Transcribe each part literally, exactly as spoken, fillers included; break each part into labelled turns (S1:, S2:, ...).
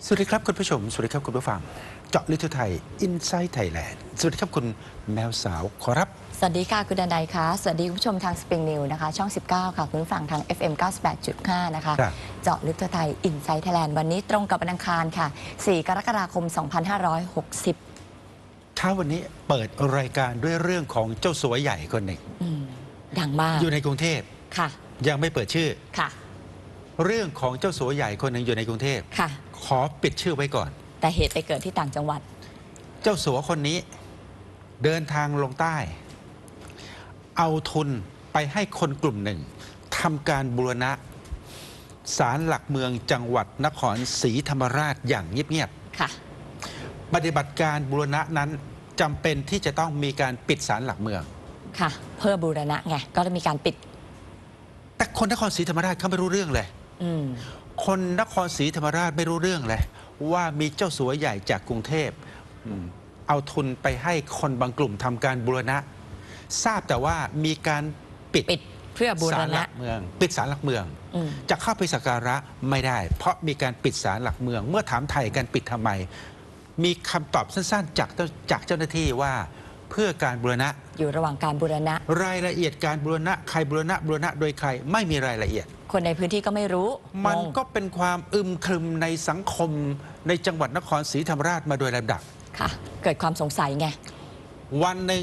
S1: สวัสดีครับคุณผู้ชมสวัสดีครับคุณผู้ฟังเจาะลึกทั่วไทยอินไซต์ไทยแลนด์สวัสดีครับคุณแมวสาวขอรับ
S2: สวัสดีค่ะคุณดันไดค่ะสวัสดีคุณผู้ชมทางสปริงนิวนะคะช่องสิบเก้าค่ะคุณผู้ฟังทาง เอฟ เอ็ม เก้าสิบแปดจุดห้า นะคะเจาะลึกทั่วไทยอินไซต์ไทยแลนด์วันนี้ตรงกับวันอังคารค่ะสี่กรกฎาคมสองพันห้าร้อยหกสิบ
S1: เช้าวันนี้เปิดรายการด้วยเรื่องของเจ้าสัวใหญ่คนหนึ่ง
S2: ดังมาก
S1: อยู่ในกรุงเทพ
S2: ค่ะ
S1: ยังไม่เปิดชื่อ
S2: ค่ะ
S1: เรื่องของเจ้าสัวใหญ่คนหนึ่งอยู่ในกรุงเทพ
S2: ค่ะ
S1: ขอปิดชื่อไว้ก่อน
S2: แต่เหตุไปเกิดที่ต่างจังหวัด
S1: เจ้าสัวคนนี้เดินทางลงใต้เอาทุนไปให้คนกลุ่มหนึ่งทำการบูรณะศาลหลักเมืองจังหวัดนครศรีธรรมราชอย่างเงียบ
S2: ๆค่ะ
S1: ปฏิบัติการบูรณะนั้นจำเป็นที่จะต้องมีการปิดศาลหลักเมือง
S2: ค่ะเพื่อบูรณะไงก็จะมีการปิด
S1: แต่คนนครศรีธรรมราชเขาไม่รู้เรื่องเลยคนนครศรีธรรมราชไม่รู้เรื่องเลยว่ามีเจ้าสัวใหญ่จากกรุงเทพเอาทุนไปให้คนบางกลุ่มทำการบูรณะทราบแต่ว่ามีการปิด
S2: ปิดเพื่อบูรณะ
S1: เมืองปิดศาลหลักเมืองจะเข้าไปสักการะไม่ได้เพราะมีการปิดศาลหลักเมืองเมื่อถามไทยกันปิดทำไมมีคำตอบสั้นๆจากจากเจ้าหน้าที่ว่าเพื่อการบูรณะ
S2: อยู่ระหว่างการบูรณะ
S1: รายละเอียดการบูรณะใครบูรณะบูรณะโดยใครไม่มีรายละเอียด
S2: คนในพื้นที่ก็ไม่รู้
S1: มันก็เป็นความอึมครึมในสังคมในจังหวัดนครศรีธรรมราชมาโดยลำดับ
S2: ค่ะเกิดความสงสัยไง
S1: วันหนึ่ง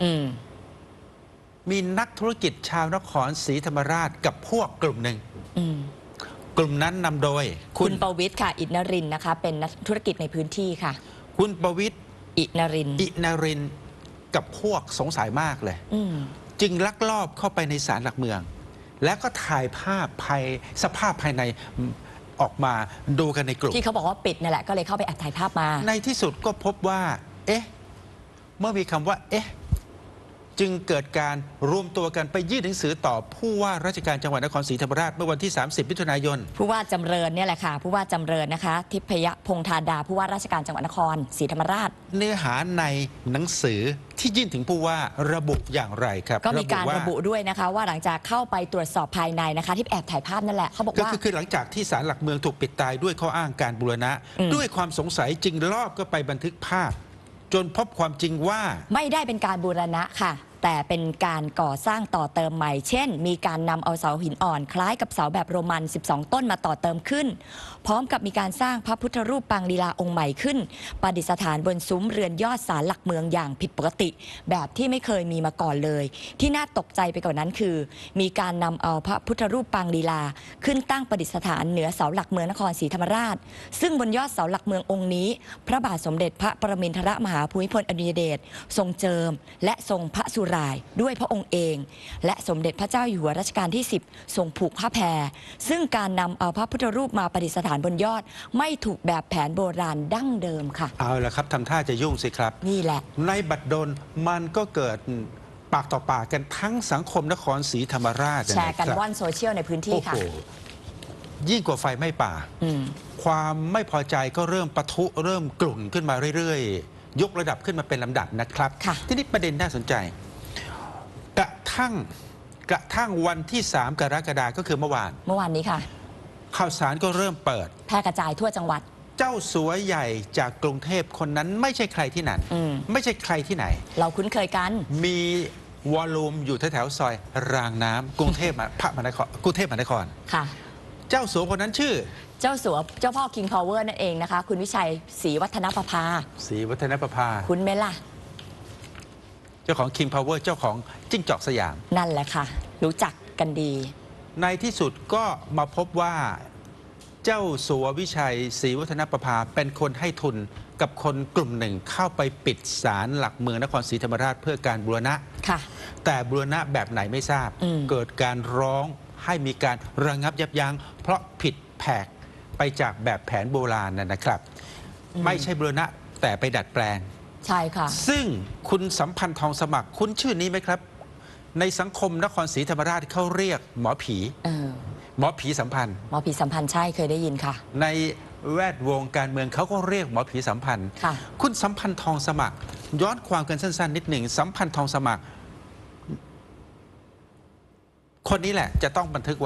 S1: มีนักธุรกิจชาวนครศรีธรรมราชกับพวกกลุ่มหนึ่งกลุ่มนั้นนำโดย
S2: คุณประวิตรค่ะอินนรินนะคะเป็นนักธุรกิจในพื้นที่ค่ะ
S1: คุณประวิตร
S2: อินนริน
S1: อินนรินกับพวกสงสัยมากเลยจึงลักลอบเข้าไปในศาลหลักเมืองแล้วก็ถ่ายภาพภายสภาพภายในออกมาดูกันในกลุ่ม
S2: ที่เขาบอกว่าปิดนั่นแหละก็เลยเข้าไปแอบถ่ายภาพมา
S1: ในที่สุดก็พบว่าเอ๊ะเมื่อมีคำว่าเอ๊ะจึงเกิดการรวมตัวกันไปยื่นหนังสือต่อผู้ว่าราชการจังหวัดนครศรีธรรมราชเมื่อวันที่สามสิบมิถุนายน
S2: ผู้ว่าจำเริญเนี่ยแหละค่ะผู้ว่าจำเริญนะคะทิพยพงษ์ธาดาผู้ว่าราชการจังหวัดนครศรีธรรมราช
S1: เนื้อหาในหนังสือที่ยื่นถึงผู้ว่าระบุอย่างไรครับ
S2: ก็มีการระบุด้วยนะคะว่าหลังจากเข้าไปตรวจสอบภายในนะคะที่แอบถ่ายภาพนั่นแหละเขาบอกว่า
S1: ก็คือหลังจากที่ศาลหลักเมืองถูกปิดตายด้วยข้ออ้างการบูรณะด้วยความสงสัยจึงลอบก็ไปบันทึกภาพจนพบความจริงว่า
S2: ไม่ได้เป็นการบูรณะค่ะแต่เป็นการก่อสร้างต่อเติมใหม่เช่นมีการนำเอาเสาหินอ่อนคล้ายกับเสาแบบโรมันสิบสองต้นมาต่อเติมขึ้นพร้อมกับมีการสร้างพระพุทธรูปปางลีลาองค์ใหม่ขึ้นประดิษฐานบนซุ้มเรือนยอดศาลหลักเมืองอย่างผิดปกติแบบที่ไม่เคยมีมาก่อนเลยที่น่าตกใจไปกว่านั้นคือมีการนำเอาพระพุทธรูปปางลีลาขึ้นตั้งประดิษฐานเหนือเสาหลักเมืองนครศรีธรรมราชซึ่งบนยอดเสาหลักเมืององค์นี้พระบาทสมเด็จพระปรมินทรมหาภูมิพลอดุลยเดชทรงเจิมและทรงพระสุรายด้วยพระองค์เองและสมเด็จพระเจ้าอยู่หัวรัชกาลที่สิบทรงผูกผ้าแพรซึ่งการนำเอาพระพุทธรูปมาประดิษฐานบนยอดไม่ถูกแบบแผนโบราณดั้งเดิมค่ะ
S1: เอาละครับทำท่าจะยุ่งสิครับ
S2: นี่แหละ
S1: ในบัดดลมันก็เกิดปากต่อปากกันทั้งสังคมนครศรีธรรมราช
S2: แชร์กันว่อนโซเชียลในพื้นที่ค่ะ
S1: ยิ่งกว่าไฟไหม้ป่าความไม่พอใจก็เริ่มปะทุเริ่มกลุ่นขึ้นมาเรื่อยๆยกระดับขึ้นมาเป็นลำดับนะครับที่นี่ประเด็นน่าสนใจกระทั่งกระทั่งวันที่สามกรกฎาคมก็คือเมื่อวาน
S2: เมื่อวานนี้ค่ะ
S1: ข่าวสารก็เริ่มเปิด
S2: แพร่กระจายทั่วจังหวัด
S1: เจ้าสัวใหญ่จากกรุงเทพคนนั้นไม่ใช่ใครที่ไหนไม่ใช่ใครที่ไหน
S2: เราคุ้นเคยกัน
S1: มีวอลลุ่มอยู่แถวๆซอยรางน้ำกรุงเทพพระมหานครกรุงเทพมหานคร
S2: ค่ะ
S1: เจ้าสัวคนนั้นชื่อ
S2: เจ้าสัวเจ้าพ่อ King Power นั่นเองนะคะคุณวิชัยศรีวัฒนประภา
S1: ศรีวัฒนประภา
S2: คุ้นไหมล่ะ
S1: เจ้าของ King Power เจ้าของจิ้งจอกสยาม
S2: นั่นแหละค่ะรู้จักกันดี
S1: ในที่สุดก็มาพบว่าเจ้าสัววิชัยศรีวัฒนประภาเป็นคนให้ทุนกับคนกลุ่มหนึ่งเข้าไปปิดศาลหลักเมืองนครศรีธรรมราชเพื่อการบูรณะ
S2: ค่ะ
S1: แต่บูรณะแบบไหนไม่ทราบเกิดการร้องให้มีการระงับยับยั้งเพราะผิดแผกไปจากแบบแผนโบราณนะครับไม่ใช่บูรณะแต่ไปดัดแปลง
S2: ใช่ค่ะ
S1: ซึ่งคุณสัมพันธ์ทองสมัครคุณชื่อนี้ไหมครับในสังคมนครศรีธรรมราชเขาเรียกหมอผีหมอผีสัมพันธ์
S2: หมอผีสัมพันธ์ใช่เคยได้ยินค่ะ
S1: ในแวดวงการเมืองเขาก็เรียกหมอผีสัมพันธ์
S2: ค่ะ
S1: คุณสัมพันธ์ทองสมัครย้อนความกันสั้นๆนิดหนึ่งสัมพันธ์ทองสมัครคนนี้แหละจะต้องบันทึกไว้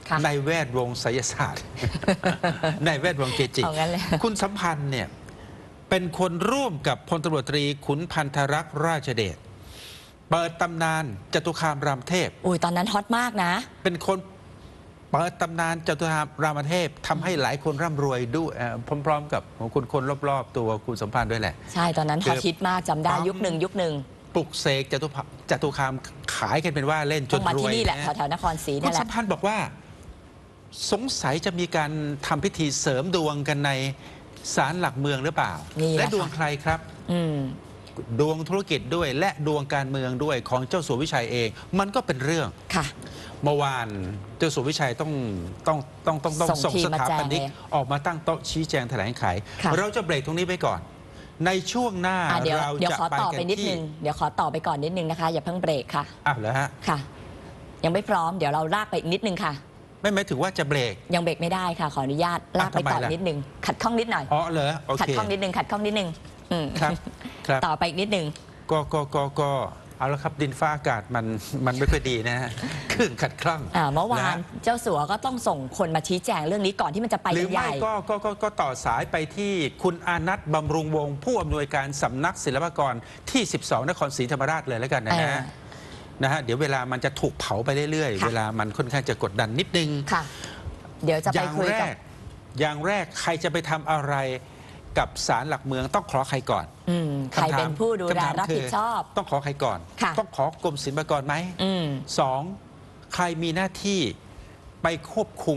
S2: ค่ะ
S1: ในแวดวงไสยศาสตร์ ในแวดวงเกจิ
S2: เอางั้นเลย
S1: คุณสัมพันธ์เนี่ยเป็นคนร่วมกับพลตำรวจตรีขุนพันธรักษ์ราชเดชเปิดตำนานจตุคามรามเทพ
S2: อุ้ยตอนนั้นฮอตมากนะ
S1: เป็นคนเปิดตำนานจตุคามรามเทพทำให้หลายคนร่ำรวยด้วยเอ่อพร้อมๆ กับคนคนรอบๆ ตัวคุณสัมพันธ์ด้วยแหละ
S2: ใช่ตอนนั้นฮอตฮิตมากจำได้
S1: ปั๊ม
S2: ยุคหนึ่งยุคหนึ่ง
S1: ปลุกเสกจตุพจตุคามขายกันเป็นว่าเล่นจ
S2: ต้อน งมาร
S1: วย
S2: ที่นี่แหละ
S1: นะ
S2: แถวๆนครศรี
S1: คุ
S2: นี่
S1: ณ
S2: แห
S1: สั
S2: ละ
S1: มพันธ์บอกว่าสงสัยจะมีการทำพิธีเสริมดวงกันในศาลหลักเมืองหรือเปล่า
S2: นี่แหละ
S1: และดวง
S2: ค่ะ
S1: ใครครับ
S2: อืม
S1: ดวงธุรกิจด้วยและดวงการเมืองด้วยของเจ้าสัววิชัยเอง มันก็เป็นเรื่อง
S2: ค่ะ
S1: เมื่อวานเจ้าสัววิชัยต้องต้องต้องต้องต้อง
S2: ส่
S1: ส่
S2: ง
S1: ง
S2: ทีม
S1: ส
S2: มา
S1: ถา
S2: แจง
S1: ปนิก
S2: เลย
S1: ออกมาตั้งโต๊ะชี้แจงแถลงไข
S2: ค่ะ
S1: เราจะเบรกตรงนี้ไปก่อน ในช่วงหน้า
S2: อ่ะเดี๋ยว
S1: เรา
S2: เดี๋ยว
S1: จะ
S2: ขอ
S1: ไป
S2: ต่อไป
S1: กัน
S2: นิดนึ
S1: ที่
S2: งเดี๋ยวขอต่อไปก่อนนิดนึงนะคะ อย่าเพิ่งเบรกค่ะ
S1: อ้าวเหรอฮะ
S2: ค่ะ ยังไม่พร้อมเดี๋ยวเราลากไปอีกนิดนึงค่ะ
S1: ไม่หมายถึงว่าจะเบรก
S2: ยังเบรกไม่ได้ค่ะ ขออนุญาตลากไป
S1: ทำไม
S2: ต่อ
S1: ล่ะ
S2: นิดนึงขัดข้องนิดหน่อย
S1: อ๋อเหรอโอ
S2: ขัด
S1: เค
S2: ข้องนิดนึงขัดข้องนิดนึงอืม
S1: ครับครับ
S2: ต่อไปอีกนิดนึง
S1: ก็ก็ก็ก็เอาละครับดินฟ้าอากาศมันมันไม่ค่อยดีนะฮะ คลื่นขัดคล่อง
S2: อ่าเมื่อวา
S1: ะ
S2: นเจ้าสัวก็ต้องส่งคนมาชี้แจงเรื่องนี้ก่อนที่มันจะไป
S1: หรื
S2: กั
S1: อน
S2: ให
S1: ไม่
S2: ญ่
S1: ก็ก็ก็ก็ต่อสายไปที่คุณอานัทบำรุงวงศ์ผู้อำนวยการสำนักศิลปากรที่ สิบสอง นครศรีธรรมราชเลยแล้วกันนะ
S2: เออ
S1: ฮะนะฮะเดี๋ยวเวลามันจะถูกเผาไปเรื่อยๆ
S2: ค่ะ
S1: เวลามันค่อนข้างจะกดดันนิดนึง
S2: ค่ะ เดี๋ยวจะ
S1: อ
S2: ไป
S1: ย่าง
S2: คุย
S1: แร
S2: กับ
S1: กอย่างแรกใครจะไปทำอะไรกับศาลหลักเมืองต้องขอใครก่อน
S2: อืมใคร
S1: ำถาม
S2: เป็นผู้ดูแล
S1: คำถาม
S2: รับ
S1: คื
S2: ผิดชอบ
S1: ต้องขอใครก่อน
S2: ค่ะ
S1: ต้องขอกรมศิลปากรไหม
S2: อืม
S1: สองใครมีหน้าที่ไปควบคุม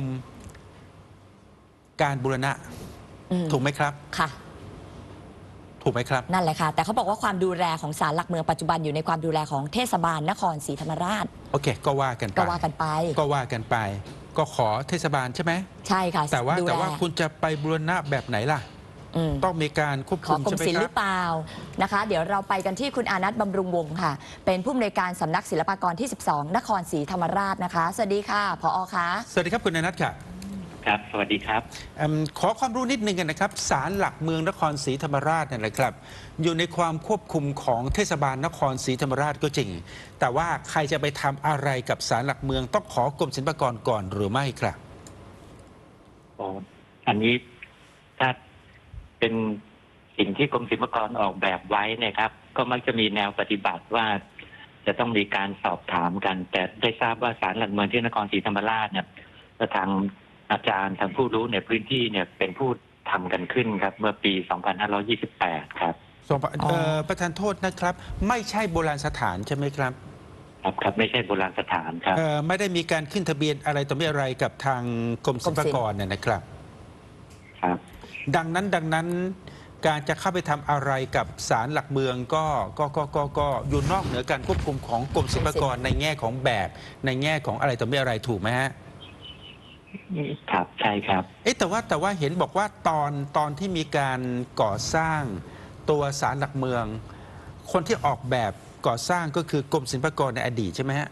S1: การบูรณะ
S2: อืม
S1: ถูกไหมครับ
S2: ค่ะ
S1: ถูกไหมครับ
S2: นั่นแหละค่ะ แต่เขาบอกว่าความดูแลของศาลหลักเมืองปัจจุบันอยู่ในความดูแลของเทศบาลนครศรีธรรมราช
S1: โอเค ก็ว่ากันไป
S2: ก็ว่ากันไป
S1: ก็ว่ากันไป ก็ขอเทศบาลใช่ไหม
S2: ใช่ค่ะ
S1: แต่ว่า
S2: ดู
S1: แต่
S2: แล
S1: ว่าคุณจะไปบูรณะแบบไหนล่ะ
S2: อืม
S1: ต้องมีการควบ
S2: ข
S1: คุ
S2: อ
S1: ม
S2: กรม
S1: ใช่ไหม
S2: ศิลป์
S1: ค
S2: ห
S1: รั
S2: รื
S1: บ
S2: อเปล่านะคะ เดี๋ยวเราไปกันที่คุณอานัทบำรุงวงศ์ค่ะ เป็นผู้อำนวยการสำนักศิลปากรที่ สิบสอง นครศรีธรรมราชนะคะ สวัสดีค่ะผอคะ
S1: สวัสดีครับคุณอนัทค่ะ
S3: ครับ สวัสดีครับ
S1: เอิ่มขอความรู้นิดนึงกันนะครับศาลหลักเมืองนครศรีธรรมราชเนี่ยนะครับ อยู่ในความควบคุมของเทศบาลนครศรีธรรมราชก็จริง แต่ว่าใครจะไปทำอะไรกับศาลหลักเมืองต้องขอกรมศิลปากรก่อนหรือไม่ครับ
S3: โอ้อันนี้ถ้าเป็นสิ่งที่กรมศิลปากรออกแบบไว้เนะครับ ก็มักจะมีแนวปฏิบัติว่าจะต้องมีการสอบถามกัน แต่ได้ทราบว่าศาลหลักเมืองที่นครศรีธรรมราชเนี่ยทางอาจารย์ทางผู้รู้ในพื้นที่เนี่ยเป็นผู้ทำกันขึ้นครับ เมื่อปี สองพันห้าร้อยยี่สิบแปด ครับ
S1: สองเอ่อประธานโทษนะครับ ไม่ใช่โบราณสถานใช่ไหมครับ
S3: ครับครับไม่ใช่โบราณสถานครับ
S1: เอ่อไม่ได้มีการขึ้นทะเบียนอะไรต่อไม่อะไรกับทางกรมศิลปากรเนี่ยนะครับ
S3: ครับ
S1: ดังนั้นดังนั้นการจะเข้าไปทำอะไรกับศาลหลักเมืองก็ก็ก็ก็ก็อยู่นอกเหนือการควบคุมของกรมศิลปากรในแง่ของแบบในแง่ของอะไรต่อไม่อะไรถูกไหมฮะ
S3: ครับใช่ครับ
S1: เอ๊ะแต่ว่าแต่ว่าเห็นบอกว่าตอนตอนที่มีการก่อสร้างตัวศาลหลักเมือง คนที่ออกแบบก่อสร้างก็คือกรมศิลปากรในอดีตใช่ไหมฮะ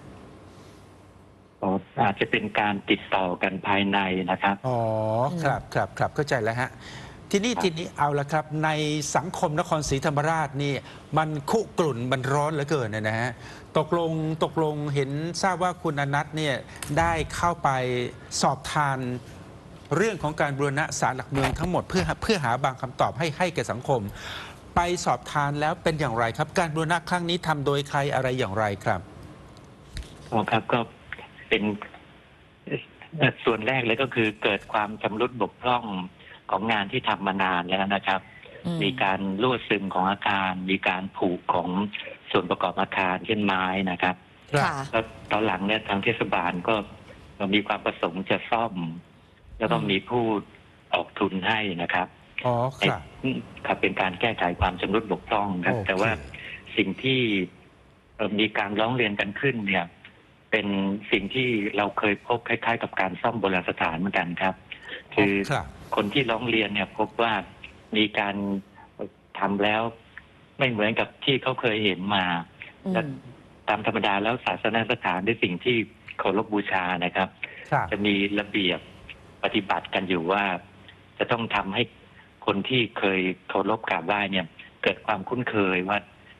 S3: อาจจะเป็นการติดต่อกันภายในนะครับ
S1: อ๋อครับครับครับเข้าใจแล้วฮะทีนี้
S3: ครับ
S1: ทีนี้เอาละครับในสังคมนครศรีธรรมราชนี่มันคุกรุ่นมันร้อนเหลือเกินเนยนะฮะตกลงตกลงเห็นทราบว่าคุณอนัทเนี่ยได้เข้าไปสอบทานเรื่องของการบูรณะศาลหลักเมืองทั้งหมดเพื่อเพื่อหาบางคำตอบให้ให้แก่สังคม ไปสอบทานแล้วเป็นอย่างไรครับ การบูรณะครั้งนี้ทำโดยใครอะไรอย่างไรครับ
S3: อ๋อครับก็เป็นเอ่อส่วนแรกเลยก็คือเกิดความชำรุดบกพร่องของงานที่ทำมานานแล้วนะครับ
S2: อืม
S3: มีการรั่วซึมของอาคาร มีการผุของส่วนประกอบอาคารเช่นไม้นะครับ
S2: ค่ะ
S3: แล้วตอนหลังเนี่ยทางเทศบาลก็มีความประสงค์จะซ่อม แล้วก็มีผู้ออกทุนให้นะครับ
S1: อ๋อครับ
S3: ครับเป็นการแก้ไขความชำรุดบกพร่องครับ
S1: โอเค
S3: แต่ว่าสิ่งที่เอ่อมีการร้องเรียนกันขึ้นเนี่ย เป็นสิ่งที่เราเคยพบคล้ายๆ กับการซ่อมโบราณสถานเหมือนกันครับ คือ
S1: ครับ
S3: คนที่ร้องเรียนเนี่ย พบว่ามีการทำแล้วไม่เหมือนกับที่เขาเคยเห็นมา
S2: อืม
S3: และตามธรรมดาแล้วศาสนสถานด้วยสิ่งที่เคารพบูชานะครับ
S1: ครับ
S3: จะมีระเบียบปฏิบัติกันอยู่ว่า จะต้องทำให้คนที่เคยเคารพกราบไหว้เนี่ย เกิดความคุ้นเคยว่า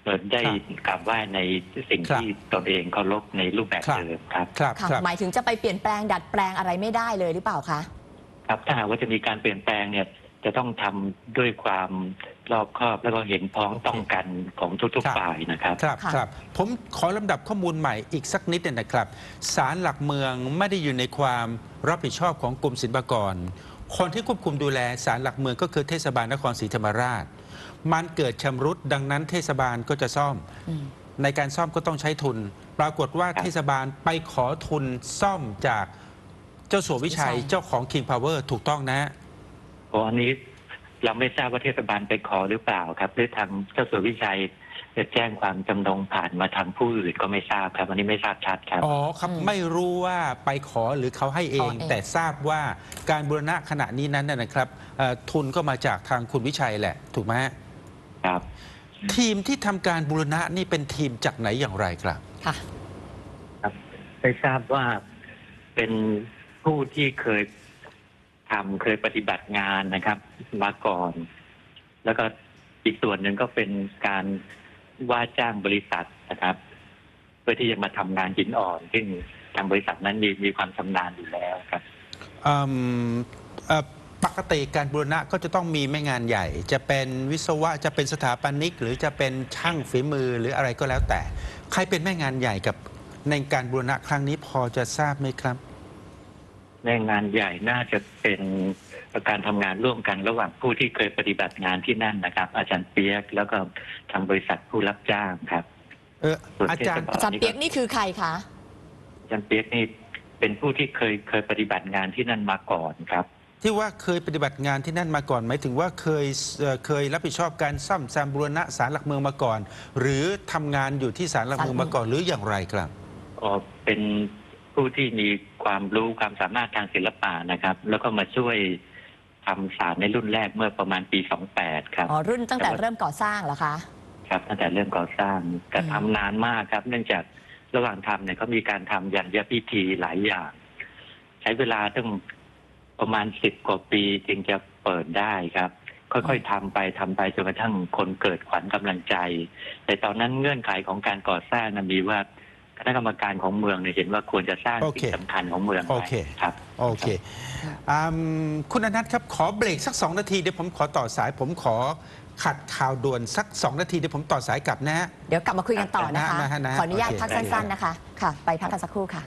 S3: เปิดได้
S1: ครับ
S3: กราบไหว้ในสิ่ง
S1: ครับ
S3: ที่ตนเองเคารพในรูปแบบ
S1: ครับ
S3: เดิมครับ
S1: ครับ
S2: ค่ะ
S1: ครับ
S2: หมายถึงจะไปเปลี่ยนแปลงดัดแปลงอะไรไม่ได้เลยหรือเปล่าคะ
S3: ครับถ้าหากว่าจะมีการเปลี่ยนแปลงเนี่ยจะต้องทำด้วยความรอบคอบแล้วก็เห็นพ้องต้องกันของทุก
S1: ครับ
S3: ๆฝ่ายนะครับ
S1: ครับ
S2: ค่ะ
S1: ครับผมขอลำดับข้อมูลใหม่อีกสักนิดหนึงนะครับศาลหลักเมืองไม่ได้อยู่ในความรับผิดชอบของกรมศิลปากร คนที่ควบคุมดูแลศาลหลักเมืองก็คือเทศบาลนครศรีธรรมราช มันเกิดชำรุดดังนั้นเทศบาลก็จะซ่อม
S2: อืม
S1: ในการซ่อมก็ต้องใช้ทุน ปรากฏว่า
S3: ครับ
S1: เทศบาลไปขอทุนซ่อมจากเจ้าสัววิชัย
S2: วิชัย
S1: เจ้าของ King Power ถูกต้องนะ
S3: เพราะอันนี้เราไม่ทราบว่าเทศบาลไปขอหรือเปล่าครับหรือทางเจ้าสัววิชัยจะแจ้งความจำนงผ่านมาทางผู้อื่นก็ไม่ทราบครับอันนี้ไม่ทราบชัดครับ
S1: อ๋อครับ
S2: อืม
S1: ไม่รู้ว่าไปขอหรือเขาให้เอง
S2: ขอเอง
S1: แต่ทราบว่าการบูรณะขณะนี้นั้นนะนะครับเอ่อทุนก็มาจากทางคุณวิชัยแหละ ถูกไหมฮะ
S3: ครับ
S1: ทีมที่ทำการบูรณะนี่เป็นทีมจากไหนอย่างไรครับ
S2: ค่ะ
S3: ครับได้ทราบว่าเป็นผู้ที่เคยทำเคยปฏิบัติงานนะครับ มาก่อน แล้วก็อีกส่วนหนึ่งก็เป็นการว่าจ้างบริษัทนะครับ เพื่อที่จะมาทำงานหินอ่อน ซึ่งทางบริษัทนั้นมีมีความชำนาญอยู่แล้วครับ
S1: อืมเอ่อปกติการบูรณะก็จะต้องมีแม่งานใหญ่ จะเป็นวิศวะจะเป็นสถาปนิก หรือจะเป็นช่างฝีมือหรืออะไรก็แล้วแต่ ใครเป็นแม่งานใหญ่กับในการบูรณะครั้งนี้พอจะทราบไหมครับ
S3: ในงานใหญ่น่าจะเป็นการทำงานร่วมกันระหว่างผู้ที่เคยปฏิบัติงานที่นั่นนะครับ อาจารย์เปียกแล้วก็ทางบริษัทผู้รับจ้างครับ
S1: เออ
S3: ส่วน
S1: อาจารย์
S3: เทศบล
S2: อาจารย์เปียกนี่คือใครคะ
S3: อาจารย์เปียกนี่เป็นผู้ที่เคยเคยปฏิบัติงานที่นั่นมาก่อนครับ
S1: ที่ว่าเคยปฏิบัติงานที่นั่นมาก่อนหมายถึงว่าเคยเอ่อเคยรับผิดชอบการซ่อมแซมบูรณะศาลหลักเมืองมาก่อน หรือทำงานอยู่ที่ศาลหลักเมืองมาก่อนหรืออย่างไรครับ
S3: อ๋อเป็นผู้ที่มีความรู้ความสามารถทางศิลปะนะครับ แล้วก็มาช่วยทำศาลในรุ่นแรกเมื่อประมาณปีสองแปดครับ
S2: อ๋อ รุ่นตั้งแต่เริ่มก่อสร้างเหรอคะ
S3: ครับตั้งแต่เริ่มก่อสร้างแต่
S2: อืม
S3: ทำนานมากครับ เนื่องจากระหว่างทำเนี่ยเขามีการทำยันยพิธีหลายอย่าง ใช้เวลาตั้งประมาณสิบกว่าปีจึงจะเปิดได้ครับ ค่อยๆทำไปทำไปจนกระทั่งคนเกิดขวัญกำลังใจ แต่ตอนนั้นเงื่อนไขของการก่อสร้างนั้นมีว่าคณะกรรมการของเมืองเนี่ยเห็นว่าควรจะสร้าง
S1: โอเค
S3: สิ่งสำคัญของเมือง
S1: โอ
S3: ไว้
S1: เค
S3: ครับ
S1: โอเคอืมคุณอนัทครับขอเบรกสักสองนาทีเดี๋ยวผมขอต่อสาย ผมขอขัดข่าวด่วนสักสองนาทีเดี๋ยวผมต่อสายกลับนะฮะ
S2: เดี๋ยวกลับมาคุยกันต่อนะคะ
S1: นะฮะนะฮะ
S2: ขออนุญาต
S1: โอเค
S2: พักสั้นๆนะคะ ค่ะ ไปพักกันสักครู่ค่ะ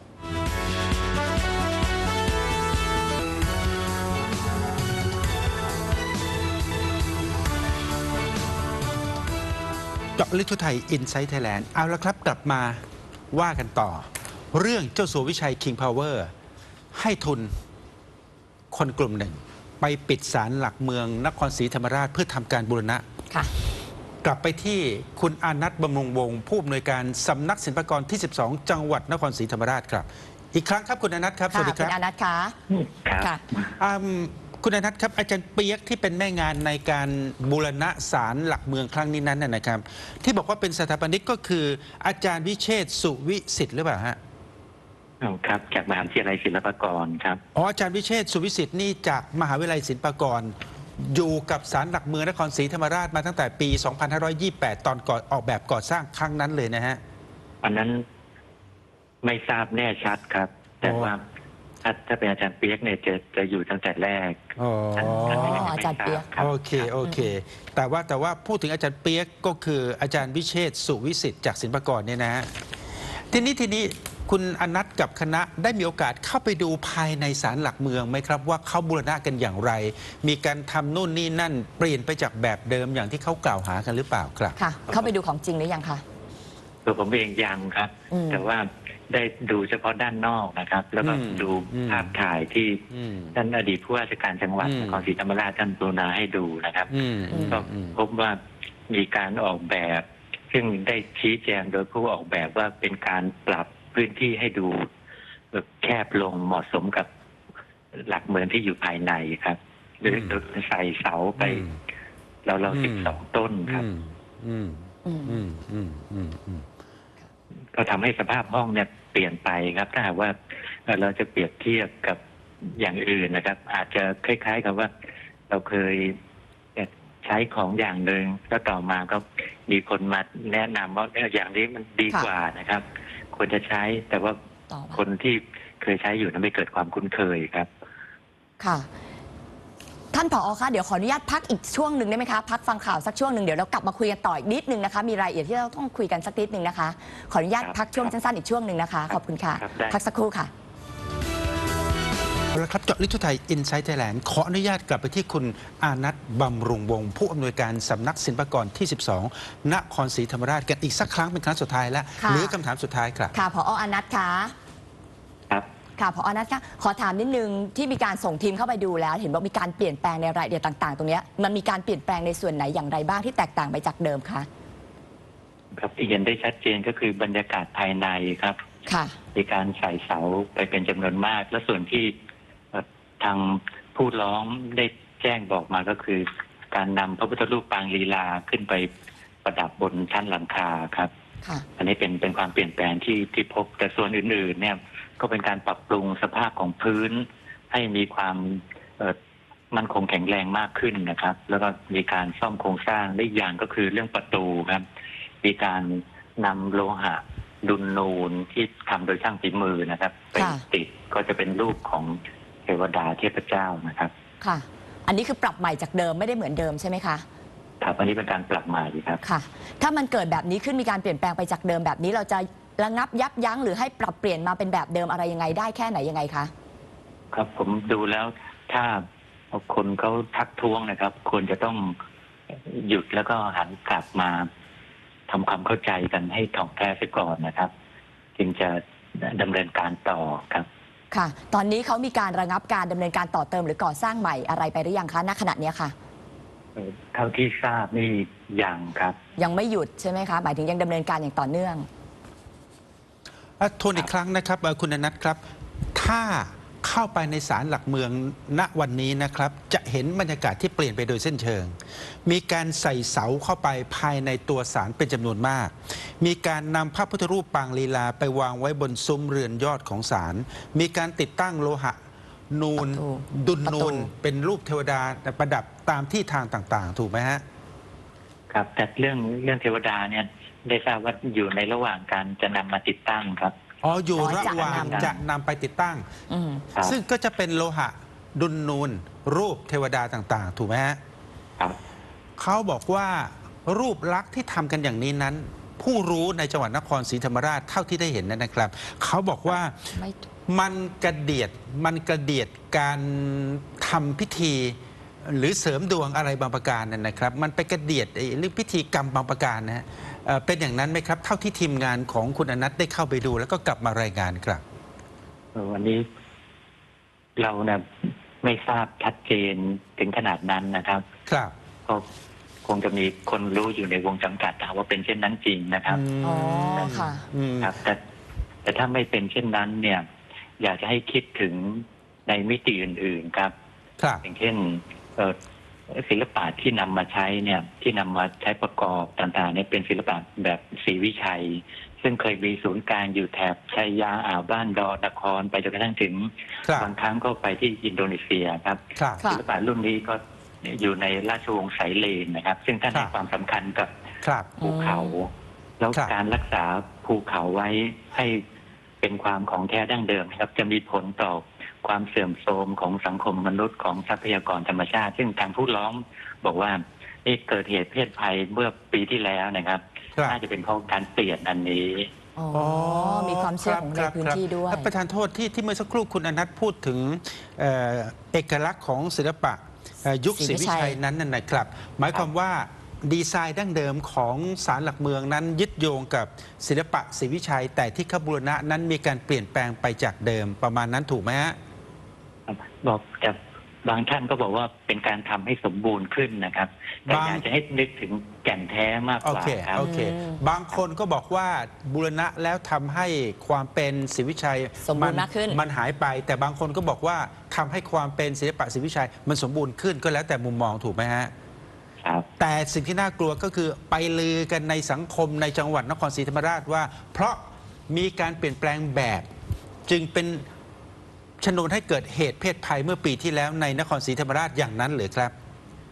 S1: เจาะลึกทั่วไทยอินไซต์ไทยแลนด์เอาละครับกลับมาว่ากันต่อ เรื่องเจ้าสัววิชัย King Power ให้ทุนคนกลุ่มหนึ่ง ไปปิดศาลหลักเมืองนครศรีธรรมราชเพื่อทำการบูรณะ
S2: ค่ะ
S1: กลับไปที่คุณอานัทบำรุงวงศ์ผู้อำนวยการสำนักศิลปากรที่ สิบสอง จังหวัดนครศรีธรรมราชครับ อีกครั้งครับคุณอานัทครับ ส
S2: ค่ะ
S1: วัสดีค
S2: คุ
S1: รับ
S2: ณอานัทคะ
S3: ครับ
S2: ค่ะ
S1: อืมคุณอนัทครับอาจารย์เปียกที่เป็นแม่งานในการบูรณะศาลหลักเมืองครั้งนี้นั้นนะนะครับ ที่บอกว่าเป็นสถาปนิกก็คืออาจารย์วิเชษฐ์สุวิสิทธิ์หรือเปล่าฮะ
S3: ครับจากมหาวิทยาลัยศิลปากรครับ
S1: อ๋ออาจารย์วิเชษฐ์สุวิสิทธิ์นี่จากมหาวิทยาลัยศิลปากร อยู่กับศาลหลักเมืองนครศรีธรรมราชมาตั้งแต่ปี สองพันห้าร้อยยี่สิบแปด ตอนก่อนออกแบบก่อสร้างครั้งนั้นเลยนะฮะ
S3: อันนั้นไม่ทราบแน่ชัดครับ แต่
S1: อ๋อ
S3: ว่าถ้าถ้าเป็นอาจารย์เปียกเนี่ยจะจะอยู่ตั้งแต่แรก
S1: อ๋อ
S3: ท่านท่านก็งไม่
S2: อาจารย์เปี๊ยก
S3: ทบครับ
S1: โอเคโอเค แต่ว่าแต่ว่าพูดถึงอาจารย์เปียกก็คืออาจารย์วิเชษฐ์สุวิสิทธิ์จากศิลปากรเนี่ยนะฮะทีนี้ทีนี้คุณอนัทกับคณะได้มีโอกาสเข้าไปดูภายในศาลหลักเมืองไหมครับ ว่าเขาบูรณะกันอย่างไร มีการทำนู่นนี่นั่นเปลี่ยนไปจากแบบเดิมอย่างที่เขากล่าวหากันหรือเปล่าครับ
S2: ค่ะ เข้าไปดูของจริงหรือยังคะ
S3: ตัวผมเองยังครับ
S2: อืม
S3: แต่ว่าได้ดูเฉพาะด้านนอกนะครับ แล้วก็
S1: อืม
S3: ดู
S1: อืม
S3: ภาพถ่ายที่
S1: อืม
S3: ท่านอดีตผู้ว่าราชการจังหวัด
S1: อืม
S3: นครศรีธรรมราชท่านกรุณาให้ดูนะครับ
S1: อืมอืม
S3: ก็
S1: อืม
S3: พบว่ามีการออกแบบ ซึ่งได้ชี้แจงโดยผู้ออกแบบว่าเป็นการปรับพื้นที่ให้ดูแคบลงเหมาะสมกับหลักเมืองที่อยู่ภายในครับโดยโดยใส่เสาไป
S1: อืม
S3: เราเรา
S1: อืม
S3: สิบสองต้นครับ
S1: อืมอืม
S2: อืม
S1: อืมอืมอืมอืม
S3: ก็ทำให้สภาพห้องเนี่ยเปลี่ยนไปครับ ถ้าหากว่าเอ่อเราจะเปรียบเทียบกับอย่างอื่นนะครับ อาจจะคล้ายๆกับว่า เราเคยเนี่ยใช้ของอย่างหนึ่งแล้วต่อมาก็มีคนมาแนะนำว่าเนี่ยอย่างนี้มันดีกว่านะครับ ควรจะใช้แต่ว่า
S2: ต่อมา
S3: คนที่เคยใช้อยู่นั้นไม่เกิดความคุ้นเคยครับ
S2: ค่ะ ท่านผอคะเดี๋ยวขออนุญาตพักอีกช่วงหนึ่งได้ไหมคะพักฟังข่าวสักช่วงหนึ่งเดี๋ยวเรากลับมาคุยกันต่ออีกนิดนึงนะคะมีรายละเอียดที่เราต้องคุยกันสักนิดนึงนะคะขออนุญาต
S3: ครับ
S2: พักช่วงสั้นๆอีกช่วงหนึ่งนะคะขอบคุณค่ะ
S3: ครับได้
S2: พักสักครู่ค่ะ
S1: เอาละครับเจาะลึกทั่วไทยอินไซต์ไทยแลนด์ขออนุญาตกลับไปที่คุณอานัทบำรุงวงศ์ผู้อำนวยการสำนักศิลปากรที่ สิบสอง นครศรีธรรมราชกันอีกสักครั้งเป็นครั้งสุดท้ายแล้ว
S2: ค่ะ
S1: เหลือคำถามสุดท้ายครับ
S2: ค่ะผออนัทคะ
S3: ครับ
S2: ค่ะผออนัทคะขอถามนิดนึงที่มีการส่งทีมเข้าไปดูแล้ว เห็นว่ามีการเปลี่ยนแปลงในรายละเอียดต่างๆ ตรงเนี้ยมันมีการเปลี่ยนแปลงในส่วนไหนอย่างไรบ้างที่แตกต่างไปจากเดิมคะ
S3: ครับที่เห็นได้ชัดเจนก็คือบรรยากาศภายในครับ
S2: ค่ะ
S3: มีการใส่เสาไปเป็นจำนวนมาก และส่วนที่เอ่อทางผู้ร้องได้แจ้งบอกมาก็คือ การนำพระพุทธรูปปางลีลาขึ้นไปประดับบนชั้นหลังคาครับ
S2: ค่ะ
S3: อันนี้เป็นเป็นความเปลี่ยนแปลงที่ที่พบแต่ส่วนอื่นๆ เนี่ยก็เป็นการปรับปรุงสภาพของพื้น ให้มีความเอ่อมั่นคงแข็งแรงมากขึ้นนะครับ แล้วก็มีการซ่อมโครงสร้างได้อีกอย่างก็คือเรื่องประตูครับ มีการนำโลหะดุลนูนที่ทำโดยช่างฝีมือนะครับไป
S2: ค่ะ
S3: ติดก็จะเป็นรูปของเทวดาเทพเจ้านะครับ
S2: ค่ะ อันนี้คือปรับใหม่จากเดิมไม่ได้เหมือนเดิมใช่ไหมคะ
S3: ครับอันนี้เป็นการปรับใหม่ครับ
S2: ค่ะ ถ้ามันเกิดแบบนี้ขึ้นมีการเปลี่ยนแปลงไปจากเดิมแบบนี้เราจะระงับยับยั้งหรือให้ปรับเปลี่ยนมาเป็นแบบเดิมอะไรยังไงได้แค่ไหนยังไงคะ
S3: ครับผมดูแล้วถ้าคนเขาทักท้วงนะครับ ควรจะต้องหยุดแล้วก็หันกลับมาทำความเข้าใจกันให้ถ่องแท้เสียก่อนนะครับ จึงจะดำเนินการต่อครับ
S2: ค่ะ ตอนนี้เขามีการระงับการดำเนินการต่อเติมหรือก่อสร้างใหม่อะไรไปหรือยังคะณขณะเนี้ยค่ะ
S3: เอ่อเท่าที่ทราบนี่ยังครับ
S2: ยังไม่หยุดใช่ไหมคะหมายถึงยังดำเนินการอย่างต่อเนื่อง
S1: อ่ะทวนอีกครั้งนะครับเอ่อคุณอนัทครับ ถ้าเข้าไปในศาลหลักเมืองณวันนี้นะครับ จะเห็นบรรยากาศที่เปลี่ยนไปโดยเส้นเชิง มีการใส่เสาเข้าไปภายในตัวศาลเป็นจำนวนมาก มีการนำพระพุทธรูปปางลีลาไปวางไว้บนซุ้มเรือนยอดของศาลมีการติดตั้งโลหะนูน
S2: ประตู
S1: ดุล
S2: ประ
S1: นู
S2: ตู
S1: นเป็นรูปเทวดาประดับตามที่ทางต่างๆ ถูกไหมฮะ
S3: ครับ แต่เรื่องเรื่องเทวดาเนี่ยได้ทราบว่าอยู่ในระหว่างการจะนำมาติดตั้งครับ
S1: อ๋ออยู่
S2: อ๋อ
S1: ระ
S2: จะ
S1: หว่าง
S2: นำ
S1: จะนำไปติดตั้ง
S2: อืม
S3: ครับ
S1: ซึ่งก็จะเป็นโลหะดุลนูนรูปเทวดาต่างๆ ถูกไหมฮะ
S3: ครับ
S1: เขาบอกว่ารูปลักษณ์ที่ทำกันอย่างนี้นั้น ผู้รู้ในจังหวัดนครศรีธรรมราชเท่าที่ได้เห็นนั้นนะครับ เขาบอกว่า
S2: ไม่
S1: มันกระเดียดมันกระเดียดการทำพิธี หรือเสริมดวงอะไรบางประการนั่นนะครับ มันไปกระเดียดไอ้เรื่องพิธีกรรมบางประการนะฮะเอ่อเป็นอย่างนั้นไหมครับ เท่าที่ทีมงานของคุณอนัทได้เข้าไปดู แล้วก็กลับมารายงานครับ
S3: เอ่อวันนี้เราเนี่ยไม่ทราบชัดเจนถึงขนาดนั้นนะครับ
S1: ครับ
S3: ก็คงจะมีคนรู้อยู่ในวงจำกัดว่าเป็นเช่นนั้นจริงนะครับ
S2: อ๋อค่ะ
S1: อืม
S3: ครับ แต่แต่ถ้าไม่เป็นเช่นนั้น เนี่ย อยากจะให้คิดถึงในมิติอื่น ๆ ครับ
S1: ครับ
S3: อย่างเช่นเอ่อศิลปะที่นำมาใช้เนี่ย ที่นำมาใช้ประกอบต่างๆเนี่ยเป็นศิลปะแบบศรีวิชัย ซึ่งเคยมีศูนย์กลางอยู่แถบชัยยาอ่าวบ้านดอนครไปจนกระทั่งถึง
S1: ครับ
S3: บางครั้งก็ไปที่อินโดนีเซียครับ
S1: ครับ
S2: ค่ะ
S3: ศิลปะรุ่นนี้ก็อยู่ในราชวงศ์ไสยเลนนะครับ ซึ่งท่าน
S1: ครั
S3: ให้
S1: บ
S3: ความสำคัญกับ
S1: ครับ
S3: ภูเขา แล้ว
S1: ครับ
S3: การรักษาภูเขาไว้ให้เป็นความของแท้ดั้งเดิมนะครับ จะมีผลต่อความเสื่อมโทรมของสังคมมนุษย์ของทรัพยากรธรรมชาติ ซึ่งทางผู้ร้องบอกว่านี่เกิดเหตุเพศภัยเมื่อปีที่แล้วนะครับ
S1: ครับ
S3: น่าจะเป็นเพราะการเปลี่ยนอันนี้
S2: อ๋อ มีความเชื่อของใน
S1: รับ
S2: พื้น
S1: ครับ
S2: ที่ด้วย
S1: ครับประธานโทษที่ที่เมื่อสักครู่คุณอนัทพูดถึงเอ่อเอกลักษณ์ของศิลปะเอ่อยุค
S2: ศ
S1: ศ
S2: รี
S1: รี
S2: วิ
S1: วิ
S2: ชั
S1: ชั
S2: ย
S1: ยนั้นน่ะนะครับ หมายความว่าดีไซน์ดั้งเดิมของศาลหลักเมืองนั้น ยึดโยงกับศิลปะศรีวิชัย แต่ที่ขบูรณะนั้นมีการเปลี่ยนแปลงไปจากเดิมประมาณนั้นถูกไหมฮะ
S3: บอกแต่บางท่านก็บอกว่าเป็นการทำให้สมบูรณ์ขึ้นนะครับ แต่
S1: บาง
S3: อยากจะให้นึกถึงแก่นแท้มาก
S1: โอก
S3: ว่า
S1: เค
S3: ครับ
S1: โอเค
S2: อืม
S1: บางคนก็บอกว่าบูรณะแล้วทำให้ความเป็นศรีวิชัย
S2: สมบูรณ์มากขึ้น
S1: มันหายไป แต่บางคนก็บอกว่าทำให้ความเป็นศิลปะศรีวิชัย มันสมบูรณ์ขึ้นก็แล้วแต่มุมมองถูกไหมฮะ
S3: ครับ
S1: แต่สิ่งที่น่ากลัวก็คือไปลือกันในสังคมในจังหวัดนครศรีธรรมราชว่า เพราะมีการเปลี่ยนแปลงแบบ จึงเป็นชนวนให้เกิดเหตุเพศภัยเมื่อปีที่แล้วในนครศรีธรรมราชอย่างนั้นหรือครับ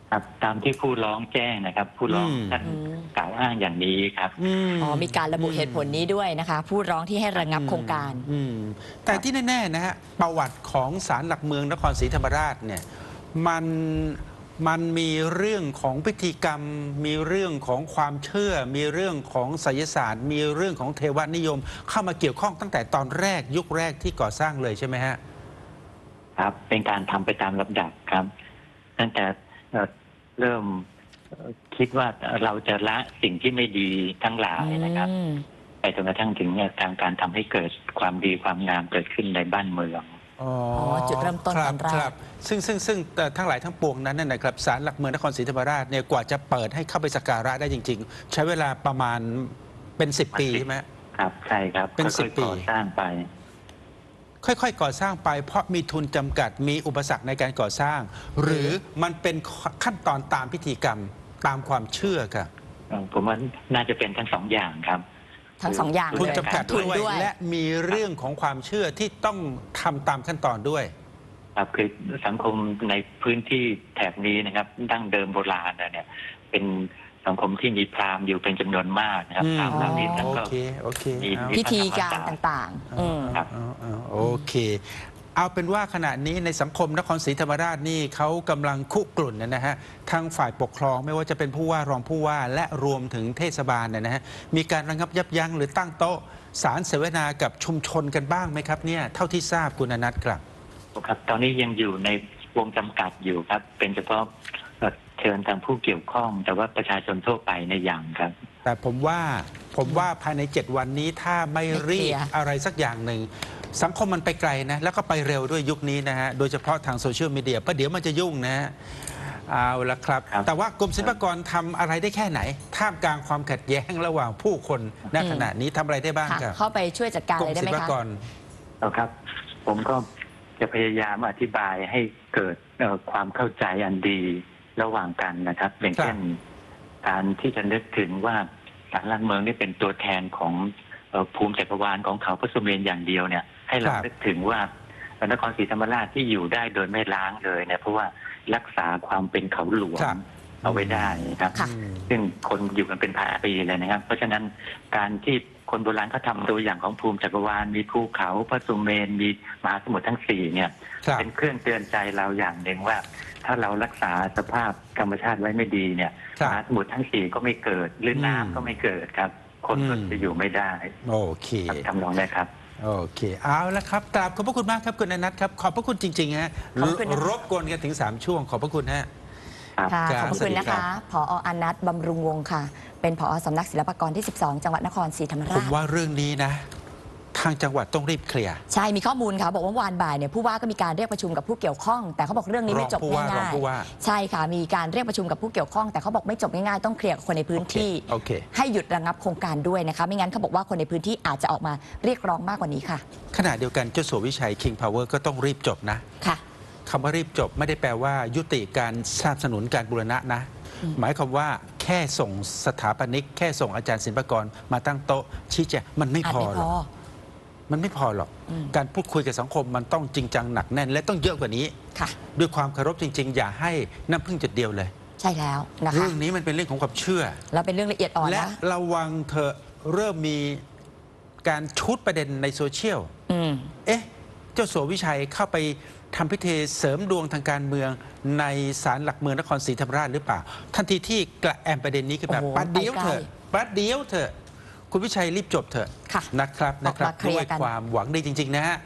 S3: ครับตามที่ผู้ร้องแจ้งนะครับ ผู้ร้อง
S1: อืม
S3: ท่าน
S2: อืม
S3: กล่าวอ้างอย่างนี้ครับ
S1: ม
S2: อ๋อมีการระบุเหตุผลนี้ด้วยนะคะ ผู้ร้องที่ให้ระงับโครงการ
S1: อืมแต่ที่แน่ๆนะฮะประวัติของศาลหลักเมืองนครศรีธรรมราชเนี่ยมันมันมีเรื่องของพิธีกรรม มีเรื่องของความเชื่อ มีเรื่องของไสยศาสตร์ มีเรื่องของเทวนิยม เข้ามาเกี่ยวข้องตั้งแต่ตอนแรกยุคแรกที่ก่อสร้างเลยใช่ไหมฮะ
S3: ครับ เป็นการทำไปตามลำดับครับ ตั้งแต่เอ่อเริ่มเอ่อคิดว่าเราจะละสิ่งที่ไม่ดีทั้งหลายนะครับ
S2: อืม
S3: ไปจนกระทั่งถึงเนี่ยทางการทำให้เกิดความดีความงามเกิดขึ้นในบ้านเมือง
S1: อ๋อ
S2: จุดเริ่มต้น
S1: คบ
S2: ตอนแรก
S1: ครับซึ่งซึ่งซึ่งแต่ทั้งหลายทั้งปวงนั้นนะนะครับศาลหลักเมืองนครศรีธรรมราชเนี่ยกว่าจะเปิดให้เข้าไปสักการะได้จริง ๆ ใช้เวลาประมาณเป็นสิบปีใช่ไหม
S3: ครับใช่ครับ
S1: เป็นสิบ
S3: ค่อยๆก่อ
S1: ปี
S3: สร้างไป
S1: ค่อยๆ ก่อสร้างไปเพราะมีทุนจำกัดมีอุปสรรคในการก่อสร้าง หรือมันเป็นขั้นตอนตามพิธีกรรมตามความเชื่อครับ
S3: เอ่อผมว่าน่าจะเป็นทั้งสองอย่างครับ
S2: ทั้งสองอย่าง
S1: ทุน
S2: เลย
S1: จำกัด
S2: ทุน
S1: ด้วย
S2: ด้วย
S1: และมีเรื่องของความเชื่อที่ต้องทำตามขั้นตอนด้วย
S3: ครับคือสังคมในพื้นที่แถบนี้นะครับ ดั้งเดิมโบราณเนี่ย เป็นสังคมที่มีพราหมณ์อยู่เป็นจำนวนมากนะครับ
S1: อืม
S3: พราหมณ์เหล่านี้ท่าน
S1: โอ
S3: ก็
S1: เคโอเค
S3: มี
S1: เอา
S2: พิธีการต่างๆ อืม
S3: ครับ
S1: เอาเอาเอาโอเค เอาเป็นว่าขณะนี้ในสังคมนครศรีธรรมราชนี่เขากำลังคุกรุ่นนะฮะทางฝ่ายปกครองไม่ว่าจะเป็นผู้ว่ารองผู้ว่าและรวมถึงเทศบาลเนี่ยนะฮะมีการระงับยับยั้งหรือตั้งโต๊ะสารเสวนากับชุมชนกันบ้างไหมครับเนี่ยเท่าที่ทราบคุณอนัทครับ
S3: ครับ ตอนนี้ยังอยู่ในวงจำกัดอยู่ครับ เป็นเฉพาะเอ่อเชิญทางผู้เกี่ยวข้อง แต่ว่าประชาชนทั่วไปในยอย่างครับ
S1: แต่ผมว่าผมว่าภายในเจ็ดวันนี้ถ้าไม่รีบอะไรสักอย่างหนึ่งสังคมมันไปไกลนะแล้วก็ไปเร็วด้วยยุคนี้นะฮะโดยเฉพาะทางโซเชียลมีเดียเพราะเดี๋ยวมันจะยุ่งนะฮะเอาละครับ
S3: ครับ
S1: แต่ว่ากรมศิลปากรทำอะไรได้แค่ไหน ท่ามกลางความขัดแย้งระหว่างผู้คนณขณะนี้ทำอะไรได้บ้าง
S2: ค่ะ
S1: ครับ
S2: เข้าไปช่วยจัดการ
S1: กร
S2: เล
S1: ม
S2: ยได้
S1: ศิ
S2: ไห
S1: ล
S2: ม
S1: ปา
S2: คะ
S1: กร
S3: เอาครับ ผมก็จะพยายามอธิบายให้เกิดเอ่อความเข้าใจอันดีระหว่างกันนะครับ อย่างเช่นการที่จะนึกถึงว่าศาลหลักเมืองนี่เป็นตัวแทนของเอ่อภูมิจักรวาลของเขาพระสุเมนอย่างเดียวเนี่ย ให้เรา
S1: ครับ
S3: นึกถึงว่านครศรีธรรมราชที่อยู่ได้โดยไม่ล้างเลยเนี่ยเพราะว่ารักษาความเป็นเขาหลวง
S1: ครับ
S3: เอาไว้ได้ครับ
S2: ค่ะ
S1: อืม
S3: ซึ่งคนอยู่กันเป็นพันปีเลยนะครับ เพราะฉะนั้นการที่คนโบราณเขาทำตัวอย่างของภูมิจักรวาลมีภูเขาพระสุเมนมีมหาสมุทรทั้งสี่เนี่ย
S1: ครับ
S3: เป็นเครื่องเตือนใจเราอย่างหนึ่งว่า ถ้าเรารักษาสภาพธรรมชาติไว้ไม่ดีเนี่ย
S1: ครั
S3: ม
S1: บ
S3: หาสมุทรทั้งสี่ก็ไม่เกิดหรือน้ำ
S1: อืม
S3: ก็ไม่เกิดครับ คนก็
S1: อืม
S3: จะอยู่ไม่ได้
S1: โอเค
S3: ครับทำนองนี้ครับ
S1: โอเคเอาละครับกราบขอบพระคุณมากครับคุณอนัทครับขอบพระคุณจริงๆฮะ
S2: ขอบคุณนะคะ
S1: รบกวนกันถึงสามช่วงขอบพระคุณฮะ
S3: ครับ
S2: ค่ะ
S1: ครับ
S2: ขอบพระคุณนะ
S1: สวัสดีครั
S2: คะ
S1: บ
S2: ผออนัทบำรุงวงศ์ค่ะ เป็นผอสำนักศิลปากรที่ สิบสอง จังหวัดนครศรีธรรม
S1: ผ
S2: ราม ช
S1: ว่าเรื่องนี้นะ ทางจังหวัดต้องรีบเคลียร์
S2: ใช่ มีข้อมูลค่ะ บอกว่าวันบ่ายเนี่ยผู้ว่าก็มีการเรียกประชุมกับผู้เกี่ยวข้อง แต่เขาบอกเรื่องนี้ไม่จบ
S1: รองผู้ว่า
S2: ง่าร
S1: อง
S2: ย
S1: ผู้ว่า
S2: ๆ ใช่ค่ะ มีการเรียกประชุมกับผู้เกี่ยวข้อง แต่เขาบอกไม่จบง่ายๆ ต้องเคลียร์กับคนในพื้นที่
S1: โอเค
S2: ให้หยุดระงับโครงการด้วยนะคะ ไม่งั้นเขาบอกว่าคนในพื้นที่อาจจะออกมาเรียกร้องมากกว่านี้ค่ะ
S1: ขณะเดียวกันเจ้าสัววิชัย King Power ก็ต้องรีบจบนะ
S2: ค่ะ
S1: คำว่ารีบจบไม่ได้แปลว่ายุติการสนับสนุนการบูรณะนะ
S2: อืม
S1: หมายความว่าแค่ส่งสถาปนิก แค่ส่งอาจารย์ศิลปากรมาตั้งโต๊ะชี้แจงมันไม่
S2: อาจ
S1: พอ
S2: ไม่
S1: หร
S2: พ
S1: อก
S2: อ
S1: มันไม่พอหรอก
S2: อืม
S1: การพูดคุยกับสังคมมันต้องจริงจังหนักแน่น และต้องเยอะกว่านี้
S2: ค่ะ
S1: ด้วยความเคารพจริง ๆ อย่าให้น้ำพึ่งจุดเดียวเลย
S2: ใช่แล้วนะคะ
S1: เรื่องนี้มันเป็นเรื่องของความเชื่อ
S2: แล้วเป็นเรื่องละเอียดอ่อน
S1: และ
S2: นะ
S1: ระวังเธอะเริ่มมีการชุดประเด็นในโซเชียล
S2: อืม
S1: เอ๊ะ เจ้าสัววิชัยเข้าไปทำพิธีเสริมดวงทางการเมืองในศาลหลักเมืองนครศรีธรรมราชหรือเปล่า ทันทีที่กระแอมประเด็นนี้ขึ้นมา
S2: โอ้โห
S1: ปัดเดียว
S2: ไปไกล
S1: เถอะปัดเดียวเถอะ คุณวิชัยรีบจบเถอะ
S2: ค่ะ
S1: นะครับนะครับ
S2: ออกมาเคลี
S1: ด้
S2: ยร์
S1: วย
S2: กัน
S1: ความหวังดีจริง ๆ นะฮะ